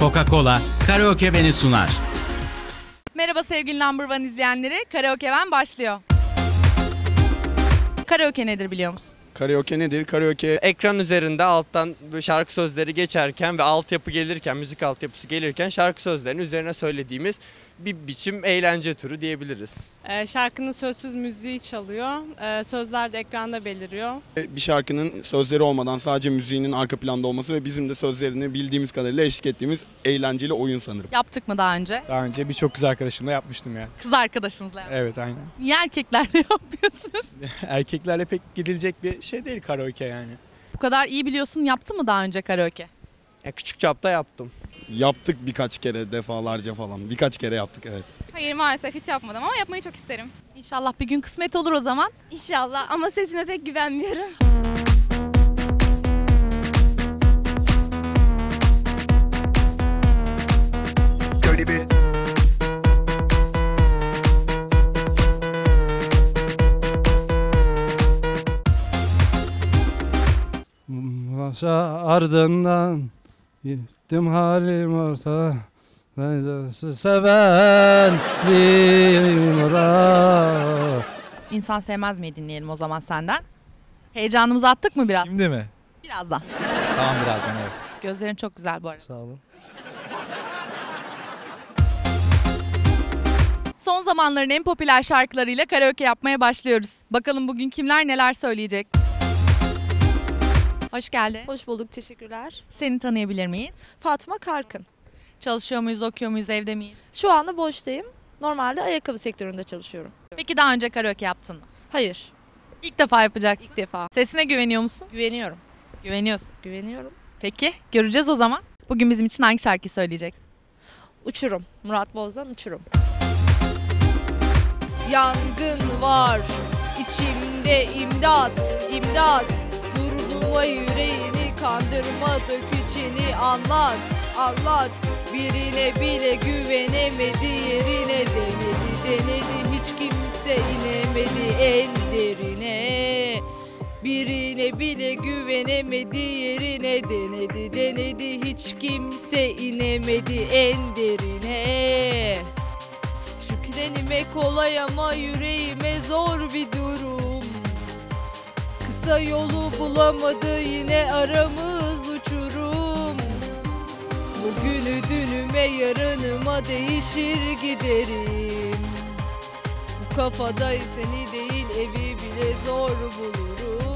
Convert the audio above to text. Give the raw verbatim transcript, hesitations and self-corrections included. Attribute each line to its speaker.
Speaker 1: Coca-Cola, Karaoke Beni sunar.
Speaker 2: Merhaba sevgili Number One izleyenleri, Karaoke Ben başlıyor. Karaoke nedir biliyor musun?
Speaker 3: Karaoke nedir? Karaoke
Speaker 4: Ekran üzerinde alttan böyle şarkı sözleri geçerken ve altyapı gelirken, müzik altyapısı gelirken şarkı sözlerinin üzerine söylediğimiz bir biçim eğlence türü diyebiliriz.
Speaker 5: Ee, şarkının sözsüz müziği çalıyor. Ee, sözler de ekranda beliriyor.
Speaker 3: bir şarkının sözleri olmadan sadece müziğinin arka planda olması ve bizim de sözlerini bildiğimiz kadarıyla eşlik ettiğimiz eğlenceli oyun sanırım.
Speaker 2: Yaptık mı daha önce?
Speaker 6: Daha önce birçok kız arkadaşımla yapmıştım ya.
Speaker 2: Kız arkadaşınızla yaptık.
Speaker 6: Evet, aynen.
Speaker 2: Niye erkeklerle yapmıyorsunuz?
Speaker 6: Erkeklerle pek gidilecek bir şey değil karaoke yani.
Speaker 2: Bu kadar iyi biliyorsun, yaptın mı daha önce karaoke?
Speaker 4: Ya küçük çapta yaptım.
Speaker 3: Yaptık birkaç kere, defalarca falan. Birkaç kere yaptık, evet.
Speaker 7: Hayır, maalesef hiç yapmadım ama yapmayı çok isterim.
Speaker 2: İnşallah bir gün kısmet olur o zaman.
Speaker 8: İnşallah ama sesime pek güvenmiyorum.
Speaker 9: Başa ardından gittim halim orta. Neydesi sevenliğim ora.
Speaker 2: İnsan sevmez mi dinleyelim o zaman senden. Heyecanımızı attık mı biraz?
Speaker 9: Şimdi mi?
Speaker 2: Birazdan.
Speaker 9: Tamam, birazdan, evet.
Speaker 2: Gözlerin çok güzel bu arada.
Speaker 9: Sağ olun.
Speaker 2: Son zamanların en popüler şarkılarıyla karaoke yapmaya başlıyoruz. Bakalım bugün kimler neler söyleyecek? Hoş geldin.
Speaker 10: Hoş bulduk, teşekkürler.
Speaker 2: Seni tanıyabilir miyiz?
Speaker 10: Fatma Karkın.
Speaker 2: Çalışıyor muyuz, okuyor muyuz, evde miyiz?
Speaker 10: Şu anda boştayım. Normalde ayakkabı sektöründe çalışıyorum.
Speaker 2: Peki daha önce karaoke yaptın mı?
Speaker 10: Hayır,
Speaker 2: İlk defa yapacaksın.
Speaker 10: ilk defa.
Speaker 2: Sesine güveniyor musun?
Speaker 10: Güveniyorum.
Speaker 2: Güveniyorsun.
Speaker 10: Güveniyorum.
Speaker 2: Peki göreceğiz o zaman. Bugün bizim için hangi şarkıyı söyleyeceksin?
Speaker 10: Uçurum. Murat Boz'dan Uçurum. Yangın var içimde, imdat, imdat. Durduğuma yüreğini kandırma, dök içini anlat, anlat. Birine bile güvenemedi, yerine denedi, denedi. Hiç kimse inemedi en derine. Birine bile güvenemedi, yerine denedi, denedi. Hiç kimse inemedi en derine. Şüklenime kolay ama yüreğime zor bir durum. Kısa yolu bulamadı, yine aramız uçurum. Bugünü dünüme, yarınıma değişir giderim. Bu kafada seni değil, evi bile zor bulurum.